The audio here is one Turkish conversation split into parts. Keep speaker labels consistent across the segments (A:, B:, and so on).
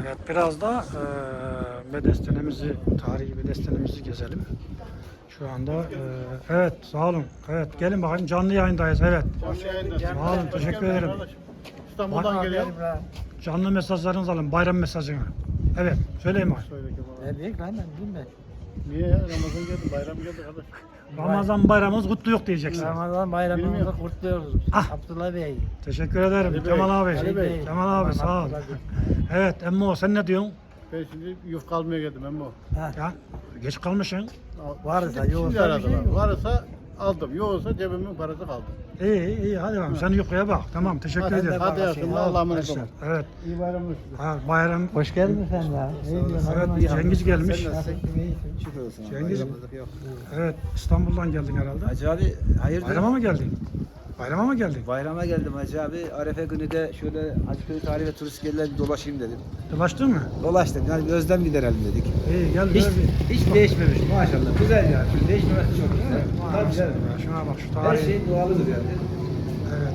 A: Evet, biraz da bedestenemizi, tarihi bedestenemizi gezelim. Şu anda evet, sağ olun. Evet, gelin bakayım, canlı yayındayız. Evet. Sağ olun, teşekkür ederim.
B: İstanbul'dan geliyor.
A: Canlı mesajlarınızı alın, bayram mesajını. Evet, söyleyin bakayım.
C: Ne diyeyim lan ben bilmem.
B: Niye ya? Ramazan geldi, bayram geldi kardeş.
A: Ramazan bayramımız kutlu yok diyeceksin.
C: Ramazan bayramımızı
B: Bilmiyorum.
C: kutluyoruz.
A: Ah.
C: Abdullah Bey.
A: Teşekkür ederim.
B: Ali Bey,
A: Kemal abi.
B: Ali Bey.
A: Kemal abi, sağ ol.
C: Abdullah Bey.
A: Evet, Emmo sen ne diyorsun?
B: Ben şimdi yufka almaya geldim ama o.
C: Ha,
A: Ya, geç kalmışsın.
C: varsa
B: Şimdi
C: yoksa bir
B: aradım.
C: şey yok.
B: Varsa aldım. Yoksa cebimin parası kaldı.
A: İyi, iyi, hadi bakalım. Sen yukarıya bak. Tamam, teşekkür
C: Hadi
A: ederim.
B: Hadi yavrum, Allah'a emanet olun.
A: Evet,
B: İyi bayramlar.
A: ha, bayram.
C: Hoş geldin sen ya.
A: Evet, Cengiz gelmiş.
C: Şükür olsun.
A: Cengiz, evet, İstanbul'dan geldin herhalde.
D: Hacı abi hayırdır?
A: Bayrama mı geldin? Bayrama mı geldin?
D: Bayrama geldim Hacı abi. Arefe günü de şöyle Hacıköy Tarihi ve Turist Gelir'e bir dolaşayım dedim.
A: Dolaştın mı?
D: Dolaştım yani bir özlem giderelim dedik.
A: İyi, gel.
D: Hiç,
A: gel.
D: hiç değişmemiş maşallah. Güzel yani. Şimdi değişmemesi çok güzel. Tabii canım.
A: Şuna bak, şu
D: Her
A: tarihi.
D: şey doğalıdır yani.
A: Evet.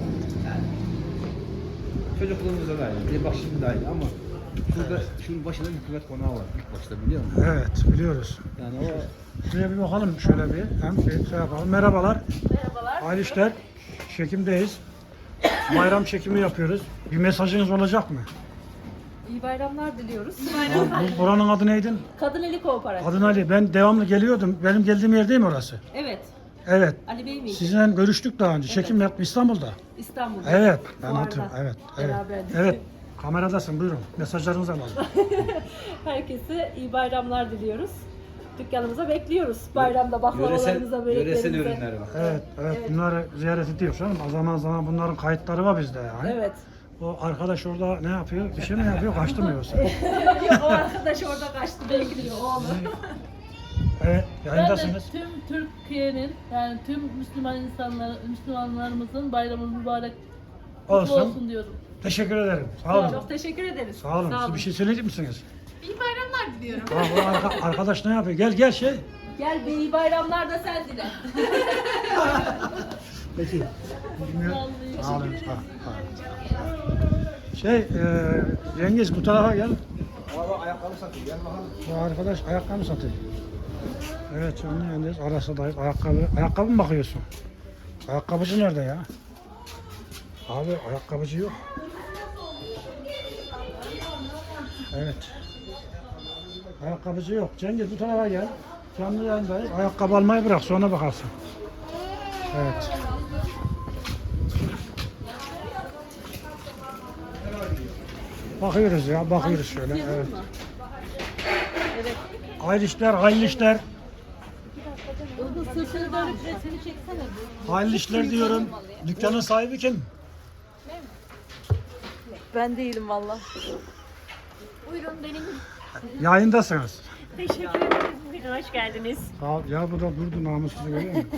D: Çocukluğumuzda da aynı. Bir bak şimdi de aynı ama şurada şunun başında hükümet konağı var ilk başta biliyor musun?
A: Evet, biliyoruz.
D: Yani o
A: Şuraya bir bakalım şöyle bir. Hem bir şey yapalım. Merhabalar.
E: Merhabalar.
A: Hayırlı işler. Çekimdeyiz. Bayram çekimi yapıyoruz. Bir mesajınız olacak mı?
E: İyi bayramlar diliyoruz.
A: Buranın adı neydi?
E: Kadın Eli Kooperatif.
A: Adın Ali. Ben devamlı geliyordum. Benim geldiğim yer değil mi orası?
E: Evet.
A: Evet.
E: Ali Bey miydi?
A: Sizinle görüştük daha önce. Çekim yaptım İstanbul'da.
E: İstanbul'da.
A: Evet. Ben
E: Fuarda.
A: hatırlıyorum. Evet. Evet.
E: Beraberdik.
A: Evet. Kameradasın. Buyurun. Mesajlarınızı alalım.
E: Herkese iyi bayramlar diliyoruz. Dükkanımıza bekliyoruz. Bayramda baklavalarımıza,
D: yöresel
E: böreklerimize.
D: ürünler var.
A: Evet. Evet. Bunları ziyaret ediyoruz canım. Zaman zaman bunların kayıtları var bizde yani.
E: Evet.
A: O arkadaş orada ne yapıyor? Bir şey mi yapıyor? Kaçtı mı yoksa?
E: Yok, o arkadaş orada kaçtı bekliyor oğlum.
A: Evet.
F: Ben de
A: Yayındasınız.
F: tüm Türkiye'nin yani tüm Müslümanlarımızın bayramı mübarek kutlu
A: Olsun.
F: olsun diyorum.
A: Teşekkür ederim. Sağ olun.
E: Çok teşekkür ederiz.
A: Sağ olun. Siz bir şey söyleyecek misiniz?
E: İyi bayramlar diliyorum.
A: Arkadaş ne yapıyor? Gel şey.
E: Gel be, iyi bayramlar da sen dile.
A: Peki.
F: Vallahi.
A: Sağ olun. Sağ olun. Cengiz bu tarafa gel.
D: Abi ayakkabı satıyor. Gel bakalım.
A: Bu arkadaş ayakkabı satıyor. Evet canlı yayındayız. Arasındayız. Ayakkabı mı bakıyorsun? Ayakkabıcı nerede ya? Abi ayakkabıcı yok. Evet. Ayakkabıcı yok. Cengiz bu tarafa gel. Canlı yayındayız. Ayakkabı almayı bırak sonra bakarsın. Evet. Bakıyoruz ya, bakıyoruz şöyle. Evet. Hayırlı işler, hayırlı işler.
F: Onun sırtını dönüp resmini çeksene.
A: Hayırlı işler diyorum. Dükkanın sahibi kim?
E: Ben değilim valla.
G: Buyurun benim.
A: Yayındasınız.
G: Teşekkür ederiz. Buyurun hoş geldiniz.
A: Sağ ol. Ya bu da durdu namussuzu görüyor musun?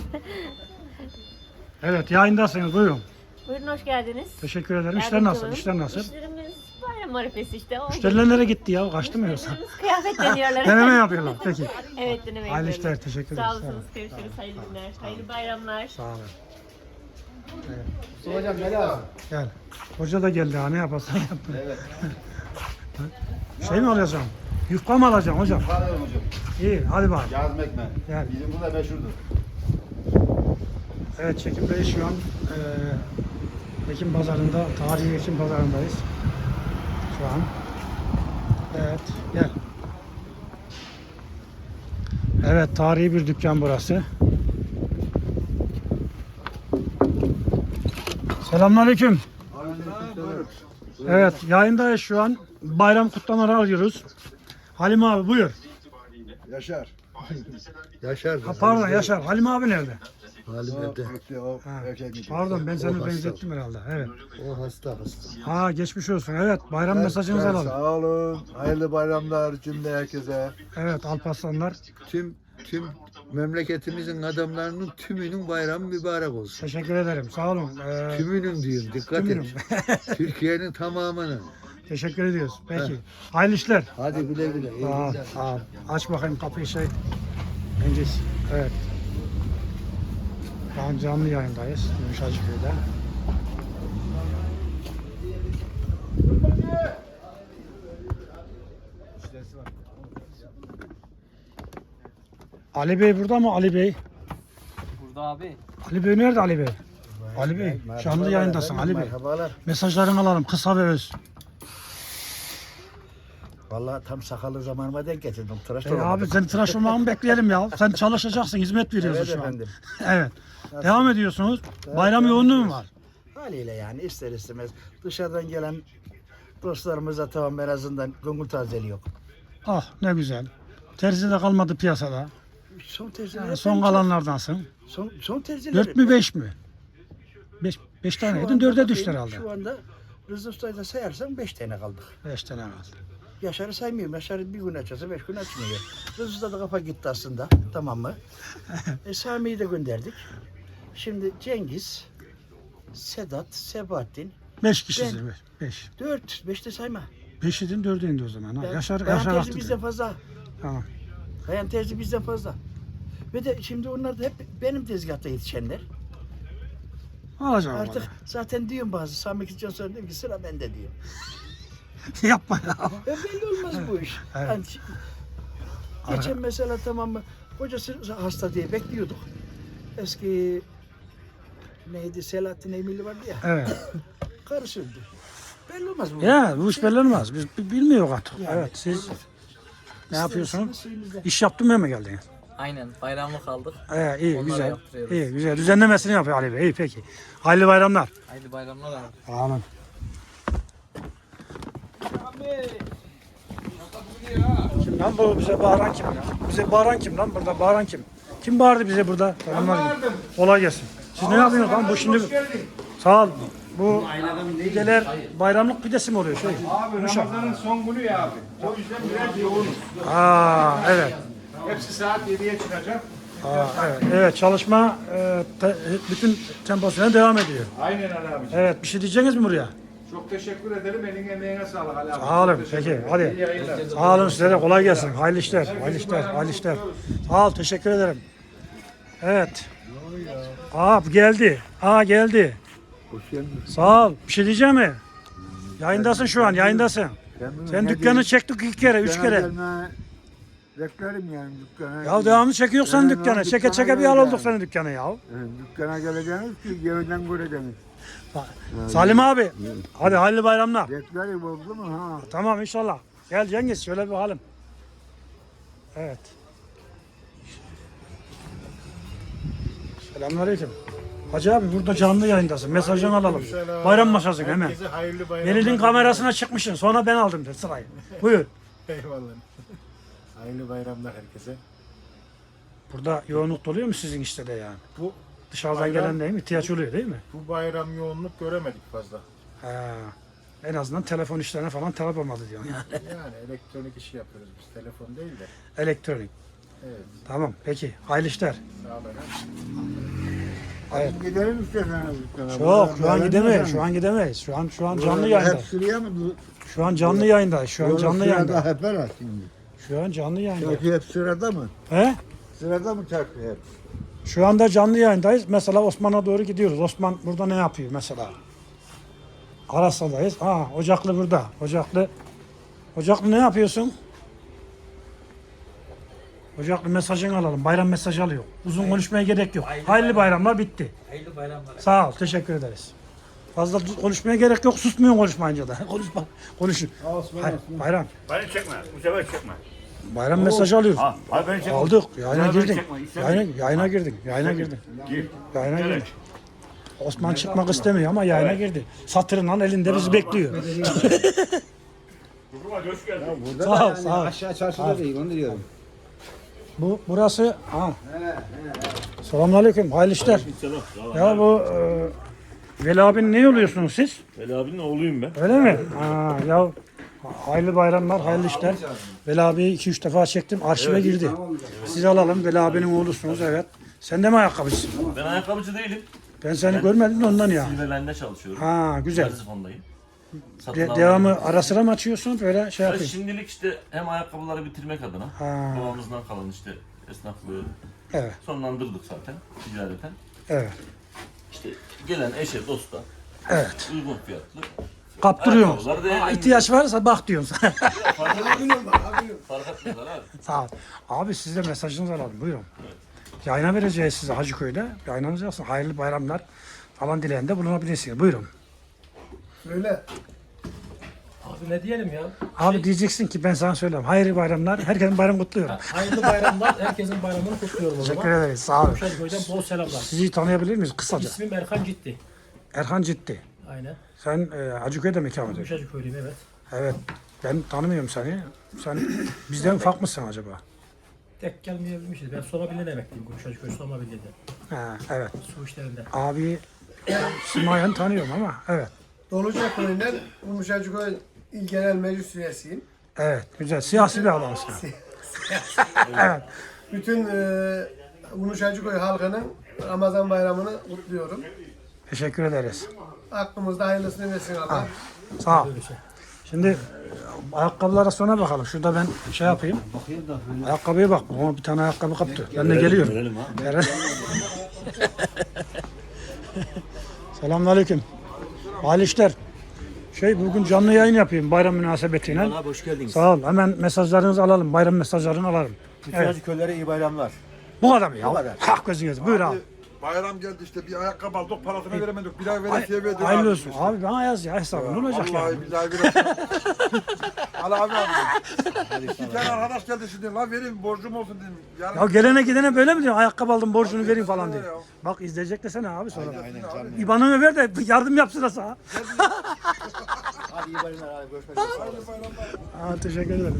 A: Evet yayındasınız buyurun.
G: Buyurun hoş geldiniz.
A: Teşekkür ederim. İşler
G: Yardımcı
A: nasıl?
G: olun.
A: İşler nasıl?
G: İşlerimiz bayram arifesi işte. O.
A: Müşteriler nereye gitti ya? Kaçtı mı yoksa?
G: Müşterilerimiz kıyafet deniyorlar.
A: Deneme yapıyorlar. Peki.
G: Evet deneme
A: Hayırlı
G: yapıyorlar.
A: işler. Teşekkür
G: Sağ
A: ederiz.
G: olasınız. Görüşürüz. Hayırlı günler. Hayırlı bayramlar.
A: Sağ olun.
D: Hocam ne lazım?
A: Gel. Hoca da geldi ha. Ne yaparsan yap.
D: Evet.
A: Şey mi alacağım? Yufka mı alacağım hocam?
B: Alıyorum hocam.
A: İyi. Hadi bak.
B: Yazım ekmeği.
A: Gel.
B: Bizim burada meşhurdur.
A: Evet çekimdeyiz şu an. Ekim pazarında, tarihi Ekim pazarındayız. Şu an. Evet, gel. Evet, tarihi bir dükkan burası. Selamünaleyküm. Evet, yayındayız şu an. Bayram kutlamaları alıyoruz. Halim abi buyur.
B: Yaşar. Yaşar.
A: Ha, pardon Yaşar. Halim abi nerede?
B: Halim evde. O
A: Ha,
B: erkek.
A: pardon ben
B: O
A: seni
B: hasta.
A: benzettim herhalde. Evet.
B: O hasta.
A: Ha geçmiş olsun. Evet, bayram mesajınızı alalım.
H: Sağ olun. Hayırlı bayramlar cümle herkese.
A: Evet, Alparslanlar.
H: Tüm memleketimizin adamlarının tümünün bayramı mübarek olsun.
A: Teşekkür ederim. Sağ olun.
H: Tümünün diyeyim. Dikkat
A: Tümünün.
H: et. Türkiye'nin tamamının.
A: Teşekkür ediyoruz. Peki. Hayırlı işler.
H: Hadi güle güle. İyi
A: Sağ ol,
H: günler.
A: sağ ol. Aç bakayım kapıyı şey. Cengiz. Evet. Şu an canlı yayındayız. Yumuşacıköy'de. Ali Bey burada mı Ali Bey?
C: Burada abi.
A: Ali Bey nerede Ali Bey? Ali Bey canlı yayındasın Ali Bey.
B: Merhabalar.
A: Mesajlarını alalım kısa ve öz.
B: Vallahi tam sakalı zamanıma denk getirdim. Tıraş
A: Abi sen tıraş olmamı bekleyelim ya. Sen çalışacaksın, hizmet veriyorsun
B: Evet
A: şu an.
B: efendim.
A: Evet. Devam ediyorsunuz. Bayram yoğunluğu mu var?
B: Haliyle yani ister istemez dışarıdan gelen dostlarımıza tamam en azından gönül tazeli yok.
A: Ah ne güzel. Terzi de kalmadı piyasada.
B: Son terziler.
A: Yani son kalanlardansın.
B: Son terziler.
A: 4 mü 5 mi? 5 tane yedin 4'e düştü herhalde.
B: Şu anda Rıza Usta'yı da sayarsan 5 tane kaldık.
A: 5 tane kaldı.
B: Yaşar'ı saymıyorum. Yaşar bir gün açarsa 5 gün açmıyor. Rıza Usta da kafa gitti aslında. Tamam mı? Sami'yi de gönderdik. Şimdi Cengiz, Sedat, Sebahattin.
A: 5 kişisiniz. 5.
B: 5 de sayma.
A: 5 idin 4'e indi o zaman. Ha. Yaşar
B: Kayan terzi
A: attı.
B: bizden fazla.
A: Tamam.
B: Kayan terzi bizden fazla. Ve de şimdi onlar da hep benim tezgahta yetişenler.
A: Alacağım
B: Artık zaten diyorum bazı Sami gideceğim sonra diyorum ki sıra bende diyor.
A: Yapma ya.
B: Belli olmaz bu iş.
A: Evet.
B: Yani geçen mesela tamam mı kocası hasta diye bekliyorduk. Eski neydi Selahattin Eymili vardı ya.
A: Evet.
B: Karısı öldü. Belli olmaz bu.
A: Ya bu iş belli olmaz. Biz bilmiyoruz artık.
B: Yani.
A: Evet siz ne yapıyorsunuz?
B: Suyumuzda.
A: İş yaptın mı geldiniz?
C: Aynen bayramlık aldık.
A: İyi
C: Onları
A: güzel.
C: yaptırıyoruz.
A: İyi güzel. Düzenlemesini yapıyor Ali Bey. İyi peki. Hayırlı bayramlar.
C: Haydi bayramlar abi.
A: Amin. Kim lan bu bize bağıran kim ya? Bize bağıran kim lan burada? Bağıran kim? Kim bağırdı bize burada? Selamlar. Kolay gelsin. Siz ne yapıyorsunuz lan? Bu şimdi sağ ol. Bu pideler bayramlık pidesi mi oluyor?
I: Abi Ramazan'ın son günü ya abi. O yüzden biraz yoğunuz.
A: Evet.
I: Hepsi saat 7'ye çıkacak.
A: Evet. Evet. Çalışma bütün temposuna devam ediyor.
I: Aynen Ali abi.
A: Evet. Bir şey diyeceksiniz mi buraya?
I: Çok teşekkür ederim. Elin emeğine sağlık Ali abi.
A: Sağ olun.
I: Çok teşekkür
A: Peki.
I: ederim.
A: Hadi.
I: İyi yayınlar.
A: Sağ olun size de kolay gelsin. Hayırlı işler. Hayırlı işler. Hayırlı işler. Sağ ol. Teşekkür ederim. Evet. Geldi. Geldi.
H: Hoş geldin.
A: Sağ ol. Bir şey diyeceğim mi? Yayındasın şu an. Yayındasın. Sen dükkanı çektik 2 kere, 3 kere.
H: Beklerim yani dükkana.
A: Ya devamlı çekiyorsan dükkanı. Çeke çeke bir al olduk senin dükkanı ya.
H: Dükkana geleceğiniz ki evden göreceğiniz.
A: Salim abi. Hadi hayırlı bayramlar.
H: Beklerim oldu mu ha?
A: Tamam inşallah. Gel Cengiz şöyle bir bakalım. Evet. Selamünaleyküm. Hacı abi burada canlı yayındasın. Mesajını alalım. Bayram masasın hemen.
I: Herkese hayırlı bayramlar.
A: Melih'in kamerasına çıkmışsın. Sonra ben aldım de sırayı. Buyur.
I: Eyvallah. Hayırlı bayramlar herkese.
A: Burada yoğunluk doluyor mu sizin işte de yani?
I: Bu
A: Dışarıdan
I: bayram-
A: gelen değil mi? İhtiyaç oluyor değil mi?
I: Bu bayram yoğunluk göremedik fazla.
A: En azından telefon işlerine falan talep olmadı diyorsun yani.
I: Yani elektronik işi yapıyoruz biz. Telefon değil de.
A: Elektronik.
I: Evet.
A: Tamam peki. Hayırlı işler.
I: Sağ olun.
A: Evet.
H: Gidelim isterseniz dükkana.
A: Yok şu an gidemeyiz. Şu an gidemeyiz. Şu an canlı yayında.
H: Hep sıraya mı?
A: Şu an canlı yayında. Şu an canlı
H: Sırada
A: yayında.
H: hep var şimdi.
A: Şu an canlı yayında.
H: Çarşı hep sırada mı?
A: He?
H: Sırada mı çarşı hep?
A: Şu anda canlı yayındayız. Mesela Osman'a doğru gidiyoruz. Osman burada ne yapıyor mesela? Arasa'dayız. Ocaklı burada. Ocaklı ne yapıyorsun? Ocaklı mesajını alalım. Bayram mesajı alıyor. Uzun konuşmaya gerek yok. Hayırlı bayramlar bitti.
C: Hayırlı bayramlar.
A: Sağ ol. Teşekkür ederiz. Fazla konuşmaya gerek yok. Susmuyorsun konuşmayınca da. Konuşun. Hayır, bayram.
J: Beni çekme. Bu sefer çekme.
A: Bayram mesajı alıyoruz.
J: Hayır beni çekme.
A: Aldık. Yayına
J: Beni
A: girdin.
J: çekme, istemiyorum.
A: Yayına girdin. Yayına girdin.
J: Gir.
A: Yayına
J: Evet.
A: girdin. Osman çıkmak istemiyor ama yayına girdi. Satırından elinde bizi bekliyor.
J: Durma hoş geldin.
A: Sağ ol, sağ ol.
D: Aşağı çarşıda değil onu diyorum.
A: Burası. Selamünaleyküm. Hayırlı işler. Ya bu Veli abinin ne oluyorsunuz siz?
J: Veli abinin oğluyum ben.
A: Öyle mi? Ya hayırlı bayramlar, hayırlı işler. Veli abiyi 2-3 defa çektim. Arşive girdi. Sizi alalım. Veli abinin oğlusunuz evet. Sen de mi ayakkabıcısın?
J: Ben ayakkabıcı değilim.
A: Ben seni görmedim de ondan ya.
J: Silverland'de çalışıyorum.
A: Güzel.
J: Garzifondayım. Satın alma.
A: Devamı ara sıra mı açıyorsun? Böyle şey
J: Ya
A: yapıyorsun.
J: şimdilik işte hem ayakkabıları bitirmek adına babamızdan kalan işte esnaflığı
A: Evet,
J: sonlandırdık zaten ticareten.
A: evet,
J: İşte gelen eşe dosta
A: evet.
J: uygun fiyatlı
A: Kaptırıyorsun.
J: Ayakkabılar değerlendiriyor.
A: İhtiyaç varsa bak diyorsun.
J: Fark etmez abi.
A: Sağ ol. Abi size mesajınızı alalım. Buyurun. Yayına vereceğiz size Hacıköy'de. Yayınınızı yapsın. Hayırlı bayramlar falan dileğinde bulunabilirsiniz. Buyurun.
K: Söyle.
L: Abi ne diyelim ya?
A: Abi diyeceksin ki ben sana söyleyeyim. Hayırlı bayramlar. Herkesin bayramı kutluyorum.
L: Hayırlı bayramlar. Herkesin bayramını kutluyorum o zaman.
A: Teşekkür ederiz. Sağ olun.
L: Gümüşhacıköy'den bol selamlar.
A: Sizi tanıyabilir miyiz kısaca?
L: İsmim Erkan Ciddi.
A: Erhan Ciddi.
L: Aynen.
A: Sen Hacıköy'de mi ikamet ediyorsun?
L: Gümüşhacıköylüyüm evet.
A: Evet. Ben tanımıyorum seni. Sen bizden ufak mısın acaba?
L: Tek gelmeyebilmişiz. Ben Soma Birliği'ne emekliyim. Gümüşhacıköy Soma Birliği'de.
A: Ha, evet.
L: Su işlerinde.
A: Abi Simayen tanıyorum ama evet.
K: Doluca Köyü'nden Gümüşhacıköy İl Genel Meclis üyesiyim.
A: Evet. Güzel. Siyasi bir adamsın. Evet.
K: Bütün Gümüşhacıköy halkının Ramazan bayramını kutluyorum.
A: Teşekkür ederiz.
K: Aklımızda hayırlısını versin Allah.
A: Sağ ol. Şimdi ayakkabılara sonra bakalım. Şurada ben şey yapayım.
D: Bakayım da böyle.
A: Ayakkabıya bak. Bana bir tane ayakkabı kaptı. Ben de geliyorum.
J: Görelim ha.
A: Selamünaleyküm. Hayırlı işler. Bugün canlı yayın yapayım bayram münasebetiyle.
D: Abi hoş geldiniz.
A: Sağ ol. Hemen mesajlarınızı alalım. Bayram mesajlarını alalım.
D: Bütün köylere iyi bayramlar.
A: Bu kadar mı ya?
D: Bu kadar.
A: Hak gözünüz. Buyur abi.
H: Bayram geldi işte bir ayakkabı aldık parasını veremedik. Bir ay veresiye verdik.
A: Hayırlı olsun. Abi bana yaz ya hesabı. Ne olacak ya?
H: Vallahi billahi veresiye. Al abi abi. İki tane arkadaş geldi şimdi. Lan vereyim borcum olsun dedim. Yarın
A: Ya gelene gidene böyle mi diyorsun? Ayakkabı aldım borcunu vereyim falan diye. Bak izleyecek desene abi sonra. İban'ını ver de yardım yapsın da sana.
D: Hadi iyi bayramlar abi. Görüşmek üzere.
A: Teşekkür ederim.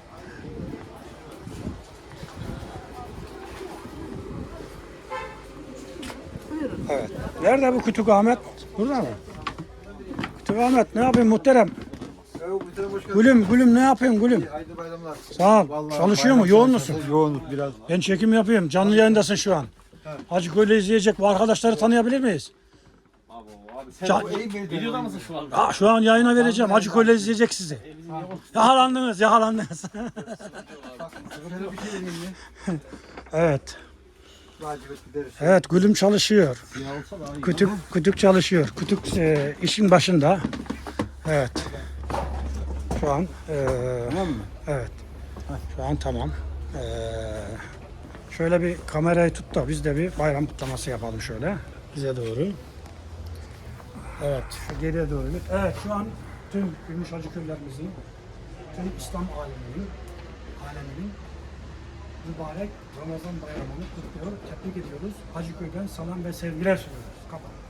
A: Evet. Nerede bu Kütük Ahmet? Burada mı? Kütük Ahmet ne yapıyorsun muhterem? Gülüm ne yapıyorsun gülüm?
H: hayırlı bayramlar.
A: Sağ ol. Çalışıyor mu? Yoğun musun?
H: Yoğunluk biraz.
A: Ben çekim yapıyorum. Canlı yayındasın şu an. Hacıköy'le izleyecek bu arkadaşları tanıyabilir miyiz?
L: Videoda mısın şu anda?
A: Şu an yayına vereceğim. Hacıköy'le izleyecek sizi. Yakalandınız. Evet. Evet, Gülüm çalışıyor. Kütük çalışıyor. Kütük işin başında. Evet. Şu an tamam mı? Evet. Şu an tamam. Şöyle bir kamerayı tut da biz de bir bayram kutlaması yapalım şöyle. Bize doğru. Evet, şu geriye doğru. Evet, şu an tüm Gümüşhacıköylerimizin, tüm İslam aleminin mübarek Ramazan bayramını kutluyor, tebrik ediyoruz. Hacıköy'den salam ve sevgiler sunuyoruz. Kapat.